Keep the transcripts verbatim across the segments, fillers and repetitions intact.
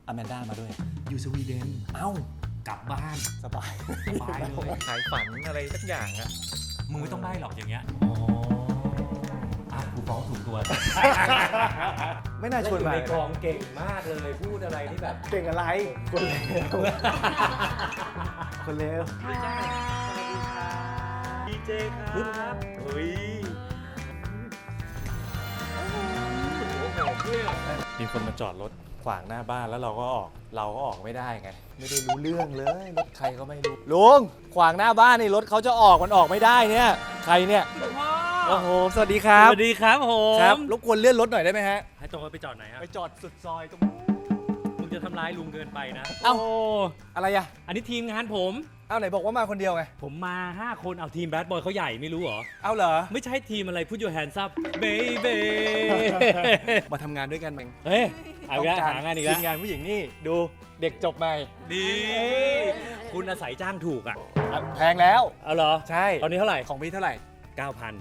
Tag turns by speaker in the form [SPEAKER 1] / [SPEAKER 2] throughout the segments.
[SPEAKER 1] อแมนด้ามาด้วย
[SPEAKER 2] อยู่สวีเดน
[SPEAKER 1] เอ้าก
[SPEAKER 2] ลับบ้าน
[SPEAKER 1] สบาย
[SPEAKER 2] สบายเลย
[SPEAKER 1] ขายฝันอะไรสักอย่างอะ
[SPEAKER 2] มึงไม่ต้องได้หรอกอย่างเงี้ยอ๋ออ่ะกูฟ้องถูกตัว
[SPEAKER 1] ไม่น่าชวน
[SPEAKER 2] อยู่
[SPEAKER 1] มา
[SPEAKER 2] ในกองเก่งมากเลยพูดอะไรที่แบบ
[SPEAKER 1] เก่งอะไรคนเลวคนเลว
[SPEAKER 2] ดีเจครับเฮ้ย
[SPEAKER 1] มีคนมาจอดรถขวางหน้าบ้านแล้วเราก็ออกเราก็ออกไม่ได้ไงไม่ได้รู้เรื่องเลยรถใครก็ไม่รู้ลุงขวางหน้าบ้านนี่รถเขาจะออกมันออกไม่ได้เนี่ยใครเนี่ยโอ้โหสวัสดีครับ
[SPEAKER 2] สวัสดีครับผม
[SPEAKER 1] ครับรบกวนเลื่อนรถหน่อยได้ไหมฮะ
[SPEAKER 2] ให้ตรงไปจอดไหนฮะ
[SPEAKER 1] ไปจอดสุดซอยตรง
[SPEAKER 2] มึงจะทำร้ายลุงเกินไปนะ
[SPEAKER 1] เอ้า
[SPEAKER 2] โ
[SPEAKER 1] อะไรอะ
[SPEAKER 2] อันนี้ทีมงานผม
[SPEAKER 1] เอ้าไหนบอกว่ามาคนเดียวไง
[SPEAKER 2] ผมมาห้าคนเอาทีมแบดบอยเขาใหญ่ไม่รู้เหรอ
[SPEAKER 1] เอ้าเหรอ
[SPEAKER 2] ไม่ใช่ทีมอะไรพูด your hands up baby
[SPEAKER 1] มาทำงานด้วยกันเอง
[SPEAKER 2] เฮ้ยเอาอีกแล้วหางานอีกแล้ว
[SPEAKER 1] ทีมงานผู้หญิงนี่ดูเด็กจบใหม่
[SPEAKER 2] ดีคุณอาศัยจ้างถูกอ่ะ
[SPEAKER 1] แพงแล้ว
[SPEAKER 2] เอาเหรอ
[SPEAKER 1] ใช่
[SPEAKER 2] ตอนนี้เท่าไหร่
[SPEAKER 1] ของพี่เท่าไหร่
[SPEAKER 2] เก้าพัน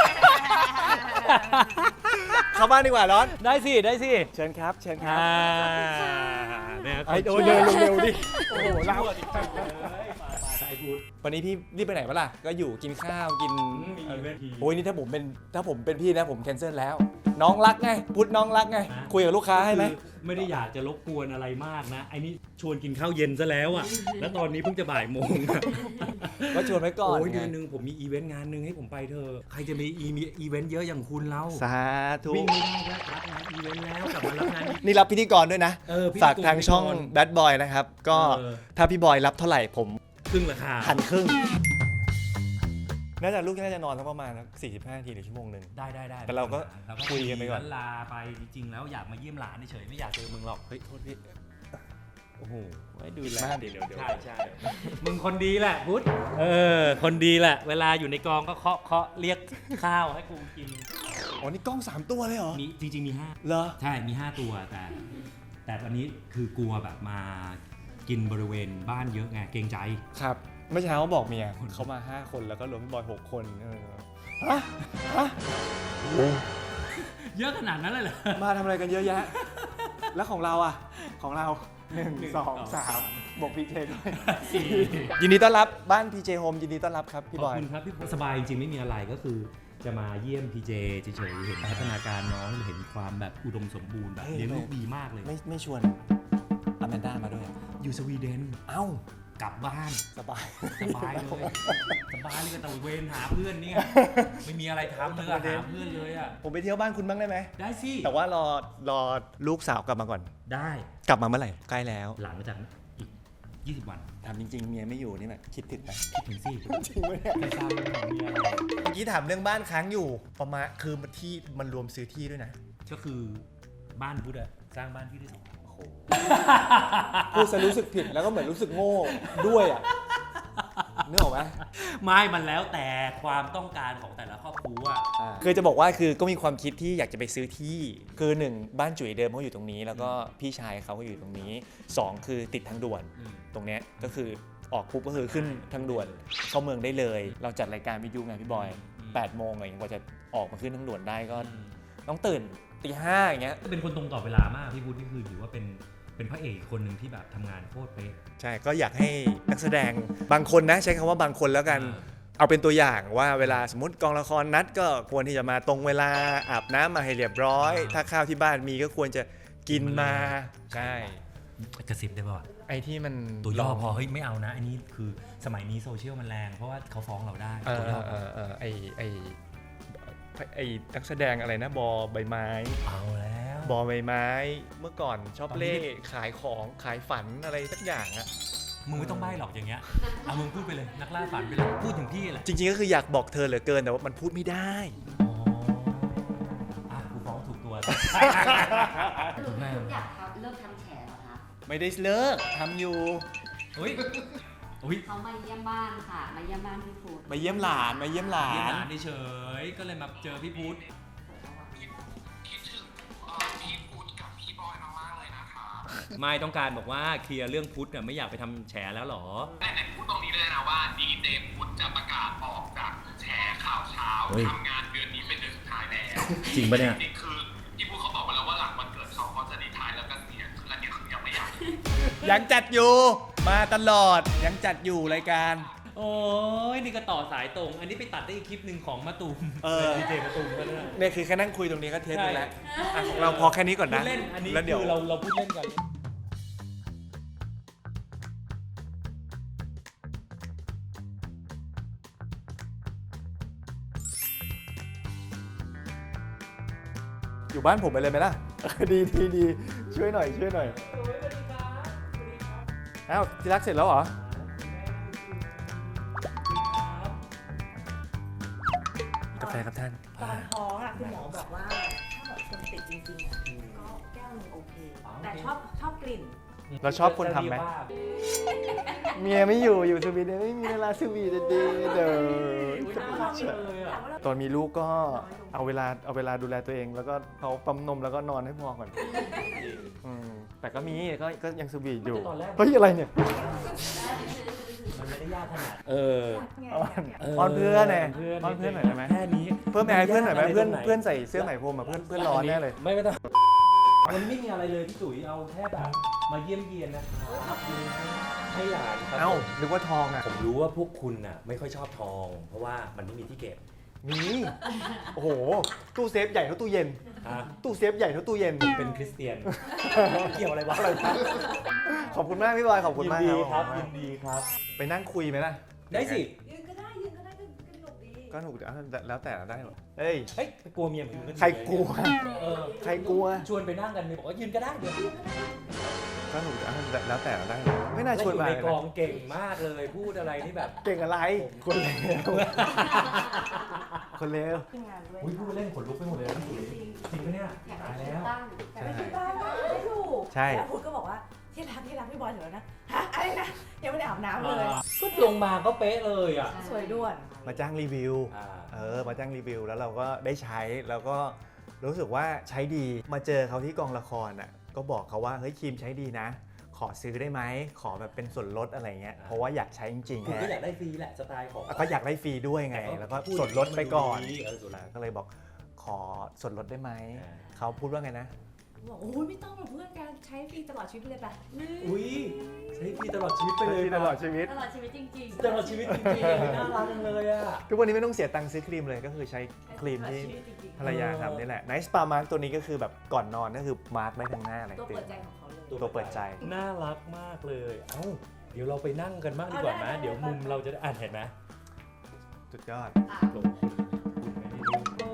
[SPEAKER 1] เข้าบ้านดีกว่าร้อน
[SPEAKER 2] ได้สิได้สิ
[SPEAKER 1] เชิญครับเชิญครั
[SPEAKER 2] อ่า
[SPEAKER 1] บ
[SPEAKER 2] เนี่ย
[SPEAKER 1] ไอ้โดนเดินเร็วๆดิโอ้โหเล่า
[SPEAKER 2] ไอ้พูด
[SPEAKER 1] วันนี้พี่รีบไปไหนปะล่ะก็อยู่กินข้าวกิน
[SPEAKER 2] มีอีเวนต์
[SPEAKER 1] โอ้ยนี่ถ้าผมเป็นถ้าผมเป็นพี่นะผมแคนเซิลแล้ว น้องรักไงพุทธน้องรักไงคุยกับลูกค้าให้ไหม
[SPEAKER 2] ไม่ได้อยากจะรบกวนอะไรมากนะไอ้นี่ชวนกินข้าวเย็นซะแล้วอ่ะแล้วตอนนี้เพิ่งจะบ่ายโมง
[SPEAKER 1] ก็ชวนไว้ก่อน
[SPEAKER 2] โอ้ย
[SPEAKER 1] ไง
[SPEAKER 2] เดือนหนึงผมมีอีเวนต์งานหนึ่งให้ผมไปเธอะใครจะมีอีมีอีเวนต์เยอะอย่างคุณเล่า
[SPEAKER 1] สาธุ
[SPEAKER 2] วิ่งไม่ได้แล้วรับงานอีเวนต์แล้วกลับมารับงานอีก
[SPEAKER 1] นี่รับพิธีกรด้วยนะ
[SPEAKER 2] เออพิธีกร
[SPEAKER 1] ฝากทางช่อง Bad Boy นะครับ ก็
[SPEAKER 2] เออ
[SPEAKER 1] ถ้าพี่บอยรับเท่าไหร่ผม
[SPEAKER 2] ครึ่งราคา
[SPEAKER 1] หันครึ่ง น่าจะลูกน่าจะนอนสักประมาณสี่สิบห้านาทีหรือชั่วโมงหนึ่ง
[SPEAKER 2] ได้ได้ได้
[SPEAKER 1] แต่เราก็
[SPEAKER 2] เรา
[SPEAKER 1] คุยกันไปก่อน
[SPEAKER 2] ลาไปจริงๆแล้วอยากมาเยี่ยมหลานเฉยๆไม่อยากเจอมึงหรอก
[SPEAKER 1] เฮ้ยโทษพี่
[SPEAKER 2] โอ้โหไว้ดูแล
[SPEAKER 1] มากดิเดี๋ยวเดี๋ยว
[SPEAKER 2] ใช่ใช่มึงคนดีแหละพุทธเออคนดีแหละ เวลาอยู่ในกองก็เคาะเคาะเรียกข้าวให้กูกิน
[SPEAKER 1] อ๋อนี่กล้องสามตัวเลยเหรอ
[SPEAKER 2] มีจริงๆมีห้า
[SPEAKER 1] เหรอ
[SPEAKER 2] ใช่มีห้าตัวแต่ แต่ตอนนี้คือกลัวแบบมากินบริเวณบ้านเยอะไงเกรงใจ
[SPEAKER 1] ครับเมื่อเช้าบอกเมียเขามาห้าคนแล้วก็รวมพี่บอยหกคนเออฮะฮะ
[SPEAKER 2] เยอะขนาดนั้นเลยเหรอ
[SPEAKER 1] มาทำอะไรกันเยอะแยะ แล้วของเราอ่ะ ของเราหนึ่งสองสามบอกพีเจด้วย
[SPEAKER 2] สี่
[SPEAKER 1] ยินดีต้อนรับบ้านพีเจโฮมยินดีต้อนรับครับพี่
[SPEAKER 2] ข
[SPEAKER 1] บ
[SPEAKER 2] อบ
[SPEAKER 1] อย
[SPEAKER 2] คุณครับพี่สบายจริงๆไม่มีอะไรก็คือจะมาเยี่ยมพีเจเฉยๆเห็นพัฒนาการน้องเห็นความแบบอุดมสมบูรณ์แบบ
[SPEAKER 1] เฮ้ย
[SPEAKER 2] เลี้ยงลูกดีมากเลย
[SPEAKER 1] ไม่ไม่ชวนอแมนด้ามาด้วย
[SPEAKER 2] อยู่สวีเดน
[SPEAKER 1] เอ้าก
[SPEAKER 2] ลับบ้าน
[SPEAKER 1] สบาย
[SPEAKER 2] สบายเลยสบายเลยก็ตะเวนหาเพื่อนนี่ไงไม่มีอะไรทำเลยอะหาเพื่อนเลยอะ
[SPEAKER 1] ผมไปเที่ยวบ้านคุณบ้างได้ไหม
[SPEAKER 2] ได้สิ
[SPEAKER 1] แต่ว่ารอรอลูกสาวกลับมาก่อน
[SPEAKER 2] ได้
[SPEAKER 1] กลับมาเมื่อไหร่ใกล้แล้ว
[SPEAKER 2] หลังจากอีกยี่สิบวัน
[SPEAKER 1] ถามจริงๆเมียไม่อยู่นี่แบบคิดถึงไหม
[SPEAKER 2] คิดถึงสิ
[SPEAKER 1] จริงไหมเนี่ย
[SPEAKER 2] ไม่ทราบเรื่องของเมียอะไร
[SPEAKER 1] เมื่อกี้ถามเรื่องบ้านค้างอยู่ประมาณคือมันที่มันรวมซื้อที่ด้วยนะ
[SPEAKER 2] ก็คือบ้านพุทธอะสร้างบ้านพี่ได้สองหลัง
[SPEAKER 1] โอ้โหพูดซะรู้สึกผิดแล้วก็เหมือนรู้สึกโง่ด้วยอ่ะนึกออกไหม
[SPEAKER 2] ไม่มันแล้วแต่ความต้องการของแต่ละครอบครัว
[SPEAKER 1] คือจะบอกว่าคือก็มีความคิดที่อยากจะไปซื้อที่คือหนึ่งบ้านจุ๋ยเดิมเขาอยู่ตรงนี้ แล้วก็พี่ชายเขาก็อยู่ตรงนี้สองคือติดทางด่วน
[SPEAKER 2] อืม
[SPEAKER 1] ตรงเนี้ยก็คือออกปุ๊บก็คือขึ้นทางด่วนเข้าเมืองได้เลย เราจัดรายการวิทยุไงพี่บอยแปดโมงอะไรอย่างเงี้ยกว่าจะออกมาขึ้นทางด่วนได้ก็ต้องตื่นตีห้าอย่างเงี้ย
[SPEAKER 2] ก็เป็นคนตรงต่อเวลามากพี่พุทธนี่คือถือว่าเป็นเป็นพระเอกคนหนึ่งที่แบบทำงานโคตรเป๊ะ
[SPEAKER 1] ใช่ก็อยากให้นักแสดงบางคนนะใช้คำว่าบางคนแล้วกัน
[SPEAKER 2] อ่า
[SPEAKER 1] เอาเป็นตัวอย่างว่าเวลาสมมติกองละครนัดก็ควรที่จะมาตรงเวลาอาบน้ำมาให้เรียบร้อย ถ้าข้าวที่บ้านมีก็ควรจะกินมาใช่
[SPEAKER 2] กระซิบได้ป่ะ
[SPEAKER 1] ไอ้ที่มัน
[SPEAKER 2] ตัวย่อพอเฮ้ยไม่เอานะอันนี้คือสมัยนี้โซเชียลมันแรงเพราะว่าเขาฟ้องเราได้
[SPEAKER 1] เอ
[SPEAKER 2] ตัว
[SPEAKER 1] อย่
[SPEAKER 2] อ
[SPEAKER 1] เออเออไอไอไอนักแสดงอะไรนะบอใบไม้
[SPEAKER 2] เอาแล้ว
[SPEAKER 1] บอใบไม้เมื่อก่อนชอบ
[SPEAKER 2] ตอนนี้
[SPEAKER 1] เล่ขายของขายฝันอะไรสักอย่างอะ
[SPEAKER 2] มึงไม่ต้องใบ้หรอกอย่างเงี้ยเอามึงพูดไปเลยนักล่าฝันไปเลยพูดถึงพี่แหละ
[SPEAKER 1] จริงๆก็คืออยากบอกเธอเหลือเกินแต่ว่ามันพูดไม่ได้
[SPEAKER 2] อ๋ออ่ะกูฟ้องถูกตัว
[SPEAKER 3] คือไม่อยากทำเลิกทำแฉเหรอคะ
[SPEAKER 1] ไม่ได้เลิกทำอยู่
[SPEAKER 2] เฮ้ยอุ้ย
[SPEAKER 3] เขามาเยี่ยมบ้านค่ะ มาเยี่ยมบ้านพี่ฟูด
[SPEAKER 1] มาเยี่ยมหลานมาเยี่ยมหลา
[SPEAKER 2] เยี่ยม
[SPEAKER 1] น
[SPEAKER 2] หลานเฉยๆก็เลยมาเจอพี่พุทธ ไม่ต้องการบอกว่าเคลียร์เรื่องพุทธเนี่ยไม่อยากไปทำแฉแล้วหรอ
[SPEAKER 4] แต่ไหนพูดตรงนี้เลยนะว่าดีเจพุทธจะประกาศออกจากแฉข่าวเช้า
[SPEAKER 2] เฮ้ย
[SPEAKER 4] ทำงานเดือนนี้เป็นเดือนสุดท้ายแล้ว
[SPEAKER 2] จริงปะเนี่ย
[SPEAKER 4] จริงๆคือที่พูดเขาบอกมาแล้วว่าหลังวันเกิดเขาเขาจะดีท้ายแล้วก็เสียคืออันนี้คือยังไม่อยาก
[SPEAKER 1] ยังจัดอยู่มาตลอดยังจัดอยู่รายการ
[SPEAKER 2] โอ้ยนี่ก็ต่อสายตรง อันนี้ไปตัดได้อีกคลิปหนึ่งของมะตูม
[SPEAKER 1] เออ
[SPEAKER 2] ดีเจมะตูมก็ได้
[SPEAKER 1] เนี่ยคือแค่นั่งคุยตรงนี้ก็เทปนึงแล้ว
[SPEAKER 2] ใช่
[SPEAKER 1] อ่ะของเราพอแค่นี้ก่อน
[SPEAKER 2] พู
[SPEAKER 1] นะ
[SPEAKER 2] ดเล่น อันนี้
[SPEAKER 1] แล้วเดี๋ยว
[SPEAKER 2] คือเราเราพูดเล่นกัน
[SPEAKER 1] อยู่บ้านผมไปเลยไหมล่ะ ดีดีดีช่วยหน่อยช่วยหน่อยอ้าวที่รักเสร็จแล้วเหรอ กาแฟครับท่าน
[SPEAKER 5] ตอนท้องอะคุณหมอบอกว่าถ้าแบบคนติดจริงๆอะก็แก้วหนึงโอเค แต่ชอบชอบกลิ่น
[SPEAKER 1] เราชอบคนทำไหม เมียไม่อยู่อยู่สวีเดนไม่มีเวลาสวีเดนเด้อ
[SPEAKER 2] เลยอ่ะ
[SPEAKER 1] ตอนมีลูกก็เอาเวลาเอาเวลาดูแลตัวเอง แล้วก็เขาปั๊มนมแล้วก็นอนให้พอก่อนอืมแต่ก็มีก็ก็ยังสวีทอยู่
[SPEAKER 2] ตอนแรก
[SPEAKER 1] เฮ้ยอะไรเนี่ย
[SPEAKER 2] มันไม่ได้ยากขนาด เออ
[SPEAKER 1] อ้อนอ้อนเพื่อนไง
[SPEAKER 2] เพื่อน
[SPEAKER 1] อ้อนเพื่อนหน่อยได้ไหม
[SPEAKER 2] แค่นี้
[SPEAKER 1] เพิ่มแอร์ให้เพื่อนหน่อยไหม
[SPEAKER 2] ยากะร
[SPEAKER 1] เพื่อน
[SPEAKER 2] ตรงไ
[SPEAKER 1] เพื่อนใส่เสื้อไหมพรมอ่ะเพื่อนเพื่อนร้อนแน่เลย
[SPEAKER 2] ไม่ไม่ต้องมันไม่มีอะไรเลยพี่จุ๋ยเอาแค่แบบมาเยี่ยมเยียนนะครับให้หลานครับ
[SPEAKER 1] เอ้านึกว่าทองอ่ะ
[SPEAKER 2] ผมรู้ว่าพวกคุณน่ะไม่ค่อยชอบทอง เพราะว่ามันไม่มีที่เก็บ
[SPEAKER 1] มีโอ้โหตู้เซฟใหญ่เท่าตู้เย็น
[SPEAKER 2] อ่ะ
[SPEAKER 1] ตู้เซฟใหญ่เท่าตู้เย็น
[SPEAKER 2] เป็นคริสเตียน เกี่ยวอะไรวะ
[SPEAKER 1] ขอบคุณมากพี่บอยขอบคุณ
[SPEAKER 2] ยิน
[SPEAKER 1] มาก
[SPEAKER 2] ดี
[SPEAKER 1] ค
[SPEAKER 2] ค
[SPEAKER 1] รั
[SPEAKER 2] รั
[SPEAKER 1] บบ
[SPEAKER 2] ยินดีครับ
[SPEAKER 1] ไปนั่งคุยไหมล่ะ
[SPEAKER 2] ได้สิ
[SPEAKER 5] ยืนก็ได้ยืนก็ได้ก็สนุกดี
[SPEAKER 1] ก็หนุกเอาแล้วแต่เราได้หรอเฮ้ย
[SPEAKER 2] เฮ้ยกลัวเมียผมก็
[SPEAKER 1] ใครกลัว
[SPEAKER 2] เออ
[SPEAKER 1] ใครกลัว
[SPEAKER 2] ชวนไปนั่งกันเมียบอกว่ายืนก็ได้เดี๋ยว
[SPEAKER 1] ก็หนุกเอาแล้วแต่เราได้หรอไม่น่าชวน
[SPEAKER 2] อยู่
[SPEAKER 1] มา
[SPEAKER 2] ใน
[SPEAKER 1] เลย
[SPEAKER 2] ก
[SPEAKER 1] นะ
[SPEAKER 2] องเก่งมากเลยพูดอะไรนี่แบบ
[SPEAKER 1] เก่งอะไร คนเลวคนเลว
[SPEAKER 5] ทีมงานด้วย
[SPEAKER 2] อุ้ยพูดเล่นขนลุกไปหมดเลยนะพี่จุ๋ยจริงปะเนี่ย
[SPEAKER 3] อยาก
[SPEAKER 2] ตาย
[SPEAKER 3] ให้
[SPEAKER 2] แล้ว
[SPEAKER 3] ตั้ง
[SPEAKER 5] แต่ไม่คิดว่าไม่ถูก
[SPEAKER 1] ใช่
[SPEAKER 5] แล้วพุทธก็บอกว่าที่รักที่รักพี่บอยถึงแล้วนะฮะอะไรนะยังไม่ได้อาบน้ำเลย
[SPEAKER 2] ก็ลงมาก็เป๊ะเลยอ่ะ
[SPEAKER 5] สวยด่วน
[SPEAKER 1] มาจ้างรีวิว
[SPEAKER 2] อ่า
[SPEAKER 1] เออ มาจ้างรีวิวแล้วเราก็ได้ใช้แล้วก็รู้สึกว่าใช้ดี มาเจอเขาที่กองละครอ่ะ ก็บอกเขาว่าเฮ้ยครีมใช้ดีนะ ขอซื้อได้ไหม ขอแบบเป็นส่วนลดอะไรเงี้ย เพราะว่าอยากใช้จริง
[SPEAKER 2] คุณ
[SPEAKER 1] ๆ
[SPEAKER 2] ก็
[SPEAKER 1] ฮะ
[SPEAKER 2] อยากได้ฟรีแหละสไตล์ของ
[SPEAKER 1] ก็อยากได้ฟรีด้วยไง แล้วก็ส่วนลดไปก่อน
[SPEAKER 2] เออส่วนลด
[SPEAKER 1] ก็เลยบอกขอส่วนลดได้ไหม
[SPEAKER 2] อ่า
[SPEAKER 1] เขาพูดว่าไงนะ
[SPEAKER 5] บอกโอ้ยไม่ต้องหรอกเพื่อนกันใช้ฟรีตลอดชีวิตเลยปะ
[SPEAKER 2] อุ้ยใช้ฟรีตลอดชีวิตไปเลย
[SPEAKER 1] ตลอดชีวิต
[SPEAKER 3] ตลอดชีวิตจริง
[SPEAKER 2] ตลอดชีวิตจริงๆน่ารักจังเลยอ่ะ
[SPEAKER 1] ทุกวันนี้ไม่ต้องเสียตังค์ซื้อครีมเลยก็คือใช้ครีมที่
[SPEAKER 5] ตลอดชีวิตจริงๆ
[SPEAKER 1] ภรรยาทำนี่แหละ Nice Spa Mark ตัวนี้ก็คือแบบก่อนนอนก็คือมาร์กได้ทั้งหน้าอะไร
[SPEAKER 5] ตัว
[SPEAKER 1] เต็
[SPEAKER 5] เปิ
[SPEAKER 1] ม
[SPEAKER 5] ดใจของเขาเลย
[SPEAKER 1] ตัวเปิดใจ
[SPEAKER 2] น่ารักมากเลย เอ้า เดี๋ยวเราไปนั่งกันบ้างดีกว่าไหม
[SPEAKER 5] เอาได้
[SPEAKER 2] เดี๋ยวมุมเราจะได้อ่านเห็นไหม
[SPEAKER 1] สุดยอด
[SPEAKER 2] ลงคุณไม่ได้ดู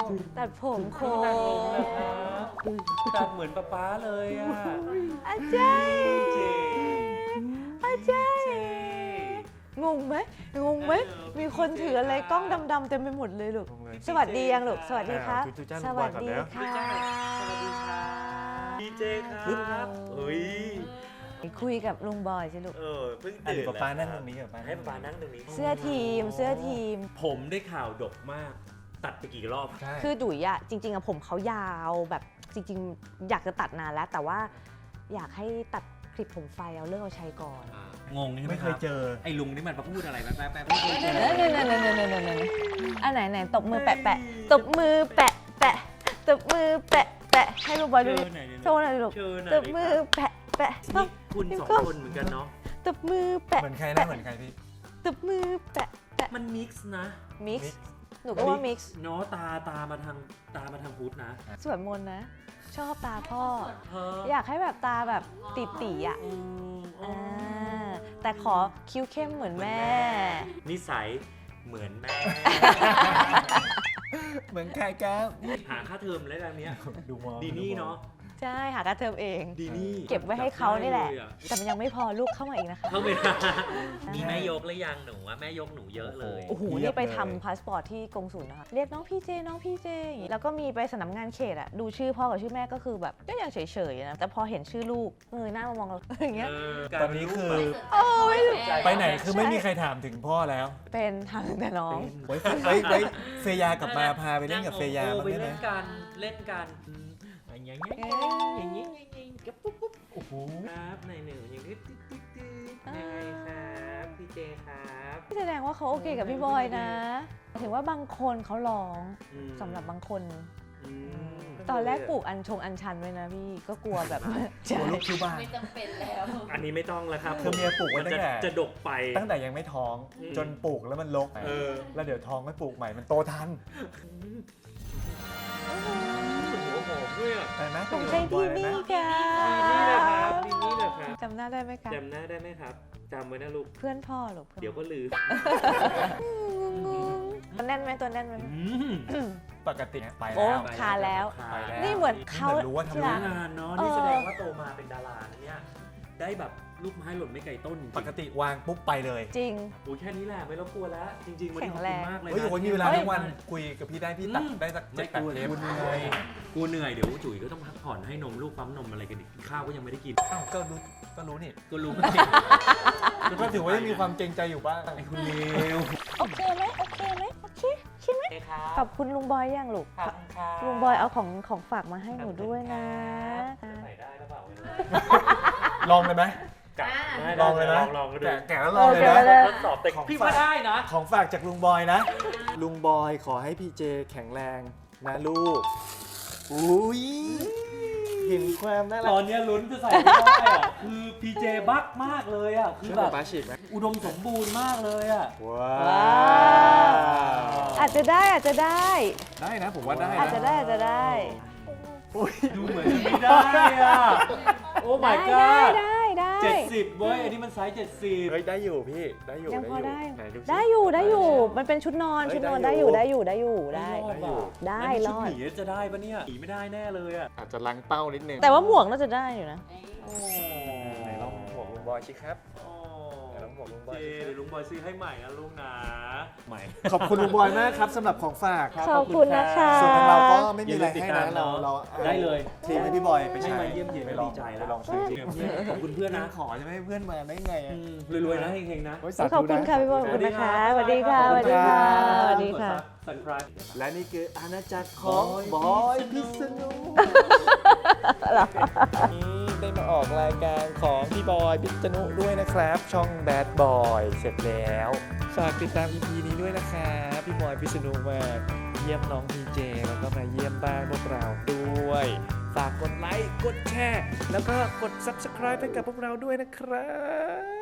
[SPEAKER 6] ตัดผมโค
[SPEAKER 2] นั่งลงนะครับตัดเหมือนป๊าป๊าเลยอ่ะ
[SPEAKER 6] อาจารย์
[SPEAKER 2] เจ
[SPEAKER 6] อาจารย์งงไหมงงไหมมีคนถืออะไรกล้องดำๆเต็มไปหมดเลยลูก
[SPEAKER 1] งงเลย
[SPEAKER 6] สวัสดียังลูก สวัสดีครับ
[SPEAKER 1] อ่าจุ๊จ้า
[SPEAKER 6] ส
[SPEAKER 1] ลูกบ
[SPEAKER 6] วั
[SPEAKER 1] อย
[SPEAKER 6] ส
[SPEAKER 1] ก่อน
[SPEAKER 6] ดี
[SPEAKER 1] แล้ว
[SPEAKER 6] ค่ะ
[SPEAKER 2] สวัสดีครับดีเจครับเฮ้ย
[SPEAKER 6] คุยกับลุงบอยสิลูก
[SPEAKER 2] เออเพิ่ง
[SPEAKER 1] อ่ะ
[SPEAKER 2] ตื่
[SPEAKER 1] เดี๋
[SPEAKER 2] น
[SPEAKER 1] ยวป๊าป๊านั่งตรงนี้กับป๊า
[SPEAKER 2] ให้ป๊าป๊านั่งตรงนี้
[SPEAKER 6] เสื้อทีม เสื้อทีม
[SPEAKER 2] ผมได้ข่าวดกมาก ตัดไปกี่รอบ
[SPEAKER 1] ใช่
[SPEAKER 6] คือดุยอะจริงๆอะผมเขายาวแบบจริงๆ อยากจะตัดนานแล้ว แต่ว่าอยากให้ตัดคลิปผมไฟเอาเลิกเอาใช้ก่อน
[SPEAKER 2] งงใช่ไหม
[SPEAKER 1] ไม่
[SPEAKER 2] ค
[SPEAKER 1] เค
[SPEAKER 2] รั
[SPEAKER 1] ย
[SPEAKER 2] บ
[SPEAKER 1] เจอ
[SPEAKER 2] ไอ้ลุงนี่มันมาพูดอะไรแป๊บแป๊บไม่เคยเจอ
[SPEAKER 6] เนยเนยเนยเนยเนยเนยเนยอันไหนไหนตบมือแปะแปะตบมือแปะแปะตบมือแปะแปะให้ลุงบอยดู
[SPEAKER 2] เชิ
[SPEAKER 6] ดิ
[SPEAKER 2] ญหน่อยดิ
[SPEAKER 6] โชว์หน่อยลูก
[SPEAKER 2] เชิญหน่
[SPEAKER 6] ต
[SPEAKER 2] อย
[SPEAKER 6] บ
[SPEAKER 2] ดิ
[SPEAKER 6] มือ
[SPEAKER 2] ครับ
[SPEAKER 6] แปะแปะต
[SPEAKER 2] นี่
[SPEAKER 6] บ
[SPEAKER 2] คุณสองคนเหมือนกันเนาะ
[SPEAKER 6] ตบมือแปะ
[SPEAKER 1] เหมือนใครนะเหมือนใครพี่
[SPEAKER 6] ตบมือแปะแปะ
[SPEAKER 2] มันมิกซ์นะ
[SPEAKER 6] มิกซ์หนูก็ว่ามิกซ์
[SPEAKER 2] เนาะตาตามาทางตามาทางพุทธนะ
[SPEAKER 6] สวดมนต์นะ ชอบตาพ่อ
[SPEAKER 2] เธอ
[SPEAKER 6] อยากให้แบบตาแบบติตีๆอ่ะ
[SPEAKER 2] อืมอ๋อ
[SPEAKER 6] อ่าแต่ขอคิ้วเข้มเหมือนแม่
[SPEAKER 2] นิสัยเหมือนแม่
[SPEAKER 1] เหมือนใครครับ
[SPEAKER 2] หาค่าเทอมแล้วกันเนี้ย
[SPEAKER 1] ดูมอง
[SPEAKER 2] ดีนี่เนาะ
[SPEAKER 6] ใช่หากระเทอมเอง
[SPEAKER 2] ดีนี่
[SPEAKER 6] เก็บไว้ให้เขานี่แหละ
[SPEAKER 2] ได้เยอ
[SPEAKER 6] แต่มันยังไม่พอลูกเข้ามาอีกนะคะ
[SPEAKER 2] เข้าไปนะ มีแม่ยกหรือยังหนูอะแม่ยกหนูเยอะเลย
[SPEAKER 6] โอ้โห นี่ไปทำพาสปอร์ตที่กงสุลนะคะ เรียกน้องพี่เจ น้องพี่เจอย่างงี้แล้วก็มีไปสำนักงานเขตอะดูชื่อพ่อกับชื่อแม่ก็คือแบบก็ยังเฉยๆนะ แต่พอเห็นชื่อลูกเงยหน้ามามองเรา อย่างเงี้ย
[SPEAKER 1] ตอนนี้คือ
[SPEAKER 6] โอ้ย
[SPEAKER 1] ไปไหนคือไม่มีใครถามถึงพ่อแล้ว
[SPEAKER 6] เป็นทางแต่น้อง
[SPEAKER 1] ไว้ไว้ไว้เฟยากลับมาพาไปเล่นกับเฟยาบ้าง
[SPEAKER 2] ไป
[SPEAKER 1] ได้ไหม
[SPEAKER 2] เล่นกันเล่นกันอย่างเงี้ยอย่างเงี้ยอย่างเงี้ยกับปุ๊บปุ๊บโอ้โหครับนายหนึ่งอย่างนี้ติ๊ดติ๊ดติ๊ดยังไงครับพี่เจครับ
[SPEAKER 6] แสดงว่าเขาโอเคกับพี่บอยนะ ถึงว่าบางคนเขาร้อง
[SPEAKER 2] อืม
[SPEAKER 6] สำหรับบางคน
[SPEAKER 2] อืม
[SPEAKER 6] ตอนแรกปลูกอัญชงอัญชันไว้นะพี่ก็กลัวแบบ
[SPEAKER 1] กลัวลูกคิวบ้า
[SPEAKER 3] ๆ ไม่จำเป็นแล้ว
[SPEAKER 2] ออันนี้ไม่ต้องแล้วครับ
[SPEAKER 1] คือเมียปลูกไว้
[SPEAKER 2] มัน
[SPEAKER 1] ตั้
[SPEAKER 2] จะ
[SPEAKER 1] งแต่
[SPEAKER 2] จะดกไป
[SPEAKER 1] ตั้งแต่ยังไม่ท้อง
[SPEAKER 2] อืม
[SPEAKER 1] จนปลูกแล้วมันรก
[SPEAKER 2] เออ
[SPEAKER 1] แล้วเดี๋ยวท้องไม่ปลูกใหม่มันโตทัน
[SPEAKER 2] หัวหอมด้วยอ่ะ
[SPEAKER 1] เห็นไหม
[SPEAKER 6] ผมใช่ดีนี่ค่ะ
[SPEAKER 2] นี่แหละครับนี่แหละครับ
[SPEAKER 6] จำหน้าได้ไหมคะ
[SPEAKER 2] จำหน้าได้ไหมครับจำไว้นะลูก
[SPEAKER 6] เพื่อนพ่อหรอ
[SPEAKER 2] เดี๋ยวก็ลืม
[SPEAKER 6] ตัวแน่นไหมตัวแน่นไหม
[SPEAKER 1] ปกติไป
[SPEAKER 6] โอ้
[SPEAKER 1] แล้ว
[SPEAKER 6] คาแล้ว
[SPEAKER 1] ไปแล้ว
[SPEAKER 6] นี่เหมือนเขา
[SPEAKER 1] เหมือนรู้ว่าทำ
[SPEAKER 6] ที่
[SPEAKER 1] ง
[SPEAKER 6] รัก
[SPEAKER 2] งานเนาะ
[SPEAKER 6] เออ
[SPEAKER 2] นี่แสดงว่าโตมาเป็นดารานะเนี่ยได้แบบลูกไม้หล่นไม่ไกลต้นจริง
[SPEAKER 1] ปกติวางปุ๊บไปเลย
[SPEAKER 6] จริง
[SPEAKER 2] โอ้ยแค่นี้แหละไม่รบกวนแล้ว จริงๆวันนี้ขอบ
[SPEAKER 6] แข็
[SPEAKER 2] คุณ
[SPEAKER 6] งแรง
[SPEAKER 2] มากเลย
[SPEAKER 1] เฮ้ย
[SPEAKER 2] นะ
[SPEAKER 1] โอ้ยมีเวลา
[SPEAKER 6] เฮ้ย
[SPEAKER 1] ทั้งวันคุยกับพี่ได้พี่ตัด
[SPEAKER 2] อืม
[SPEAKER 1] ได้สัก
[SPEAKER 2] ไม่
[SPEAKER 1] เจ็ดแป
[SPEAKER 2] ก
[SPEAKER 1] ด
[SPEAKER 2] ลัว
[SPEAKER 1] เท
[SPEAKER 2] เลย
[SPEAKER 1] ป
[SPEAKER 2] กูเหนื่อยกูเหนื่อยเดี๋ยวจุ๋ยก็ต้องพักผ่อนให้นมลูกปั๊มนมอะไรกันอีกข้าวก็ยังไม่ได้กิน
[SPEAKER 1] อ้าวก็รู้ก็รู้นี่
[SPEAKER 2] ก็รู้
[SPEAKER 1] ก็ถือว่ายังมีความเกรงใจอยู่บ้าง
[SPEAKER 2] ไอ้คุณเลว
[SPEAKER 6] โอเคไหมโอเคไหมโอเคใช่ไหม
[SPEAKER 2] โอเคครับ
[SPEAKER 6] ขอบคุณลุงบอยยังลูก
[SPEAKER 2] ขอบคุณครับ
[SPEAKER 6] ลุงบอยเอาของของฝากมาให้หนูด้วยนะ
[SPEAKER 2] ใส่ได้หรือเปล่าไม่รู้
[SPEAKER 1] ลองเลยไหม
[SPEAKER 2] กะ
[SPEAKER 3] อ่า
[SPEAKER 1] ลองเลยนะ
[SPEAKER 2] ลองก็ดู
[SPEAKER 1] แกะแกะแล้วลองเลย
[SPEAKER 6] โอ
[SPEAKER 1] นะ
[SPEAKER 6] เคเลย
[SPEAKER 2] ทดสอบแต่
[SPEAKER 1] ของ
[SPEAKER 2] พี่
[SPEAKER 1] ฝาก
[SPEAKER 2] ว่าได้นะ
[SPEAKER 1] ของฝากจากลุงบอยนะ ลุงบอยขอให้พี่เจแข็งแรงนะลูก อุ้ยเห็นความน่ารั
[SPEAKER 2] ต
[SPEAKER 1] ก
[SPEAKER 2] อนเนี้ยลุ้นจะใส่ไม่ได้อะคือพีเจบักมากเลยอ่ะคือ
[SPEAKER 1] เชื่อ
[SPEAKER 2] แบ
[SPEAKER 1] แบบ
[SPEAKER 2] บ
[SPEAKER 1] ปาฉีกไหม
[SPEAKER 2] อุดมสมบูรณ์มากเลยอ่ะ
[SPEAKER 1] ว้า
[SPEAKER 6] ว้าว อาจจะได้อาจจะได้
[SPEAKER 1] ได้นะผมว่าได้
[SPEAKER 6] อาจ
[SPEAKER 1] นะ
[SPEAKER 6] จะได้อาจจะได้
[SPEAKER 1] อุ้ย
[SPEAKER 2] ดูเหมือนจะไม่ได้อ่ะ โอ้ my
[SPEAKER 6] ได้
[SPEAKER 2] god
[SPEAKER 6] ได้ได้
[SPEAKER 2] เจ็ด
[SPEAKER 6] ได้
[SPEAKER 2] สิบเว้ย อันนี้มันไซส์เจ็ดสิบ
[SPEAKER 1] เฮ้ยได้อยู่พี่ได้อยู่
[SPEAKER 6] ยังพอได้
[SPEAKER 1] ไหนดูสิ
[SPEAKER 6] ได้อยู่ได้อยู่ มันเป็นชุดนอน
[SPEAKER 1] เฮ้ย
[SPEAKER 6] ชุดนอน
[SPEAKER 1] ได้
[SPEAKER 6] ได้
[SPEAKER 1] อ
[SPEAKER 6] อยู่ ยู่ได้อยู่ได้อยู่ได้
[SPEAKER 1] ได้อยู่
[SPEAKER 6] ได้
[SPEAKER 2] แล้วนี่
[SPEAKER 6] ร
[SPEAKER 2] ชุด
[SPEAKER 6] อด
[SPEAKER 2] หมีจะได้ปะเนี่ยหมีไม่ได้แน่เลยอ่ะ
[SPEAKER 1] อาจจะลังเป้านิดนึง
[SPEAKER 6] แต่ว่าหมวกน่าจะได้อยู่นะ
[SPEAKER 2] โอ้
[SPEAKER 1] ไหนลองหมวกลุงบอยสิครับ
[SPEAKER 2] โอ้
[SPEAKER 1] ไหนลองหมวกลุงบอย
[SPEAKER 2] เจ
[SPEAKER 1] สิครับ
[SPEAKER 2] เดี๋ยวลุงบอยซื้อให้ใหม่นะลุงนะใหม่
[SPEAKER 1] ขอบคุณลุงบอยมากครับสำหรับของฝาก
[SPEAKER 6] ขอบคุณนะคะ
[SPEAKER 1] ส่วนทางเราก็ไม่มีอะไรให้
[SPEAKER 2] อย่าลืมติดตาม
[SPEAKER 1] นะเรา
[SPEAKER 2] เนอะ
[SPEAKER 1] เรา
[SPEAKER 2] ได้เลย
[SPEAKER 1] ทีมให้พี่บอยไป
[SPEAKER 2] ให้
[SPEAKER 1] ใช้
[SPEAKER 2] มาเยี่ยมเยียน
[SPEAKER 1] ไป
[SPEAKER 2] ก็
[SPEAKER 1] ลอง
[SPEAKER 2] ดีใจแล้ว
[SPEAKER 1] ไปลองซื้อจริง
[SPEAKER 2] ขอบคุณเพื่อนนะ
[SPEAKER 1] ขอจะไม่ให้เพื่อนมาได้ไงอะ
[SPEAKER 2] อืมรวยๆนะเฮงๆนะ
[SPEAKER 1] โยสาธุ
[SPEAKER 6] ขอบคุณ
[SPEAKER 1] น
[SPEAKER 6] ค่ะพี่บอยขอบคุณนะคะสวัสดีค่ะสวัสดีค่ะสวัสดีค่ะ
[SPEAKER 2] สันไพรส์
[SPEAKER 1] และนี่คืออาณาจักรของบอยพิษณุนี่ได้มาออกรายการของพี่บอยพิษณุด้วยนะครับ ช่อง Bad Boy เสร็จแล้วฝากติดตาม อี พี นี้ด้วยนะครับพี่บอยพิษณุมาเยี่ยมน้องพีเจแล้วก็มาเยี่ยมบ้านพวกเราด้วย ฝากกดไลค์กดแชร์แล้วก็กด Subscribe ให้กับพวกเราด้วยนะครับ